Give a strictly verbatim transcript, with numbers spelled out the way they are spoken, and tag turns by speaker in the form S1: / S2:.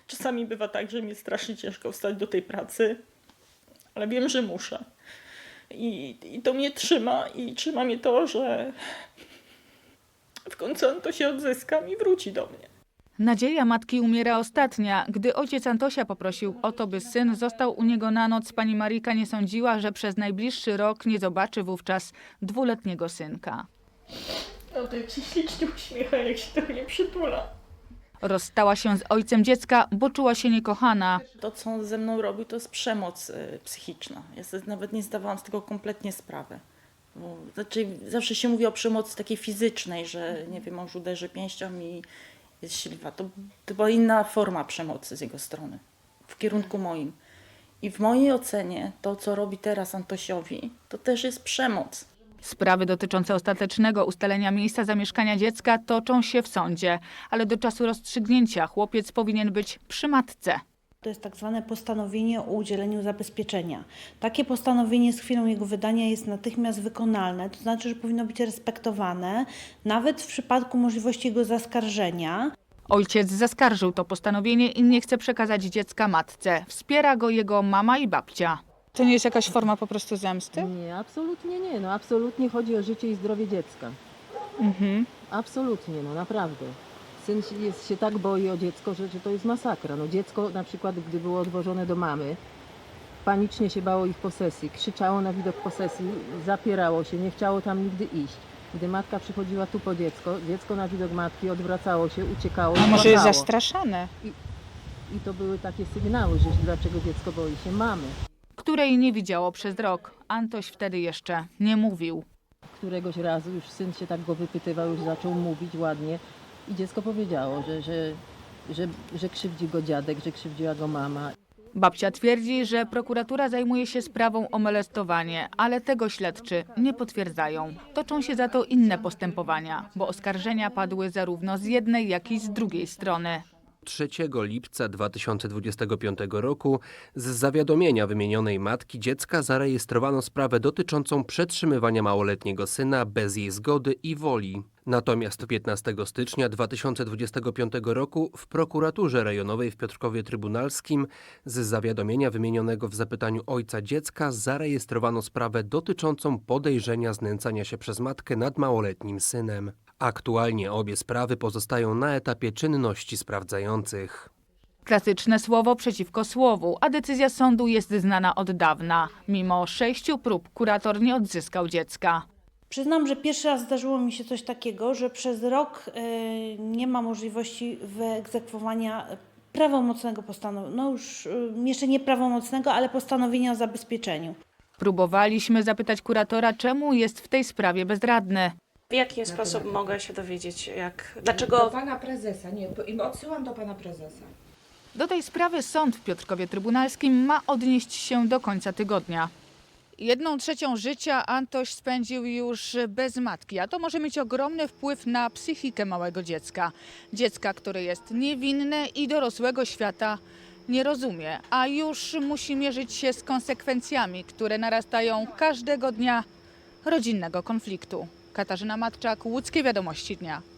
S1: Czasami bywa tak, że mi strasznie ciężko wstać do tej pracy, ale wiem, że muszę. I, i to mnie trzyma i trzyma mnie to, że w końcu on to się odzyska i wróci do mnie.
S2: Nadzieja matki umiera ostatnia. Gdy ojciec Antosia poprosił o to, by syn został u niego na noc, pani Marika nie sądziła, że przez najbliższy rok nie zobaczy wówczas dwuletniego synka.
S1: No to jak się ślicznie uśmiecha, jak się do mnie przytula.
S2: Rozstała się z ojcem dziecka, bo czuła się niekochana.
S1: To, co on ze mną robił, to jest przemoc y, psychiczna. Ja sobie nawet nie zdawałam z tego kompletnie sprawy. Bo, znaczy, zawsze się mówi o przemocy takiej fizycznej, że nie wiem, mąż uderzy pięścią i jest śliwa. To, to była inna forma przemocy z jego strony, w kierunku moim. I w mojej ocenie to, co robi teraz Antosiowi, to też jest przemoc.
S2: Sprawy dotyczące ostatecznego ustalenia miejsca zamieszkania dziecka toczą się w sądzie, ale do czasu rozstrzygnięcia chłopiec powinien być przy matce.
S3: To jest tak zwane postanowienie o udzieleniu zabezpieczenia. Takie postanowienie z chwilą jego wydania jest natychmiast wykonalne, to znaczy, że powinno być respektowane, nawet w przypadku możliwości jego zaskarżenia.
S2: Ojciec zaskarżył to postanowienie i nie chce przekazać dziecka matce. Wspiera go jego mama i babcia. To nie jest jakaś forma po prostu zemsty?
S4: Nie, absolutnie nie. No absolutnie chodzi o życie i zdrowie dziecka.
S2: Mhm.
S4: Absolutnie, no naprawdę. Syn się, jest, się tak boi o dziecko, że, że to jest masakra. No dziecko na przykład, gdy było odwożone do mamy, panicznie się bało ich posesji, krzyczało na widok posesji, zapierało się, nie chciało tam nigdy iść. Gdy matka przychodziła tu po dziecko, dziecko na widok matki odwracało się, uciekało.
S2: A może jest
S4: płakało.
S2: zastraszane?
S4: I to były takie sygnały, że dlaczego dziecko boi się mamy.
S2: Której nie widziało przez rok. Antoś wtedy jeszcze nie mówił.
S4: Któregoś razu już syn się tak go wypytywał, już zaczął mówić ładnie i dziecko powiedziało, że, że, że, że krzywdzi go dziadek, że krzywdziła go mama.
S2: Babcia twierdzi, że prokuratura zajmuje się sprawą o molestowanie, ale tego śledczy nie potwierdzają. Toczą się za to inne postępowania, bo oskarżenia padły zarówno z jednej, jak i z drugiej strony.
S5: trzeciego lipca dwa tysiące dwudziestego piątego roku z zawiadomienia wymienionej matki dziecka zarejestrowano sprawę dotyczącą przetrzymywania małoletniego syna bez jej zgody i woli. Natomiast piętnastego stycznia dwa tysiące dwudziestego piątego roku w prokuraturze rejonowej w Piotrkowie Trybunalskim z zawiadomienia wymienionego w zapytaniu ojca dziecka zarejestrowano sprawę dotyczącą podejrzenia znęcania się przez matkę nad małoletnim synem. Aktualnie obie sprawy pozostają na etapie czynności sprawdzających.
S2: Klasyczne słowo przeciwko słowu, a decyzja sądu jest znana od dawna. Mimo sześciu prób kurator nie odzyskał dziecka.
S3: Przyznam, że pierwszy raz zdarzyło mi się coś takiego, że przez rok y, nie ma możliwości wyegzekwowania prawomocnego postanowienia, no już y, jeszcze nie prawomocnego, ale postanowienia o zabezpieczeniu.
S2: Próbowaliśmy zapytać kuratora, czemu jest w tej sprawie bezradny.
S6: W jaki sposób mogę się dowiedzieć, jak,
S7: Do
S6: dlaczego
S7: pana prezesa, nie, bo- odsyłam do pana prezesa.
S2: Do tej sprawy sąd w Piotrkowie Trybunalskim ma odnieść się do końca tygodnia. Jedną trzecią życia Antoś spędził już bez matki, a to może mieć ogromny wpływ na psychikę małego dziecka. Dziecka, które jest niewinne i dorosłego świata nie rozumie, a już musi mierzyć się z konsekwencjami, które narastają każdego dnia rodzinnego konfliktu. Katarzyna Matczak, Łódzkie Wiadomości Dnia.